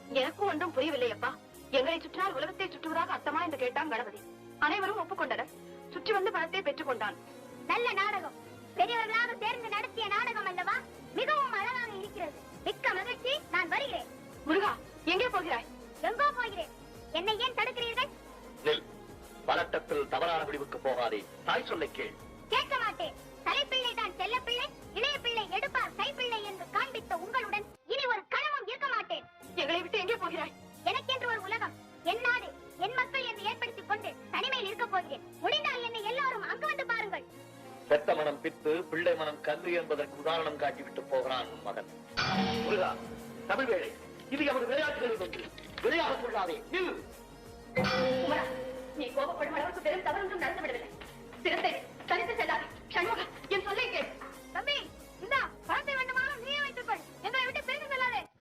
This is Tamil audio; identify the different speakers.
Speaker 1: எனக்கும் ஒன்றும் புரியவில்லை அப்பா. எங்களை சுற்றினால் உலகத்தை சுற்றுவதாக அர்த்தமா என்று கேட்டான் கணபதி. அனைவரும் ஒப்புக்கொண்டனர். சுற்றி வந்து பணத்தை பெற்றுக் கொண்டான்.
Speaker 2: நல்ல நாடகம், பெரியவர்களாக சேர்ந்து நடத்திய நாடகம் அல்லவா? மிகவும் அழகாக இருக்கிறது. மிக்க மகிழ்ச்சி. நான் வருகிறேன்.
Speaker 1: முருகா, எங்கே போகிறாய்?
Speaker 2: எங்கோ போகிறேன். என்னை ஏன் தடுக்கிறீர்கள்?
Speaker 3: பதட்டத்தில் தவறான முடிவுக்கு போகாதே. தாய் சொல்லை கேள்.
Speaker 2: கேட்க மாட்டேன். தலைப்பிள்ளை தான் செல்ல பிள்ளை, இளைய பிள்ளை எடுப்பார் கைப்பிள்ளை என்று காண்பித்த உங்களுடன் இனி ஒரு கணமும் இருக்க மாட்டேன்.
Speaker 1: எங்களை விட்டு எங்கே போகிறாய்?
Speaker 2: எனக்கென்று ஒரு உலகம், என் நாடு, என் மக்கள் என்று ஏற்படுத்திக் கொண்டு தனிமையில் இருக்க போகிறேன். முடிந்தால் என்னை எல்லாரும் அங்கு வந்து பாருங்கள்.
Speaker 3: பெத்த மனம் பித்து, பிள்ளை மனம் கல்வி என்பதற்கு உதாரணம் காட்டிவிட்டு போகிறான் உன் மகன். முருகா, தமிழ் வேளை, இது எமது விளையாட்டுகளில் ஒன்று. விளையாடக் கொள்ளாதே.
Speaker 1: உமரா, நீ கோபப்படும் அளவுக்கு பெரும் தவறொன்றும் நடந்து விடவில்லை. சிறத்தை தனித்து செல்லாதே. சண்முகா, என் சொல்லை கேள்.
Speaker 2: தம்பி, இந்தா பணத்தை வேண்டுமானாலும் நீயே வைத்துக் கொள். எங்களை விட்டு பிரிந்து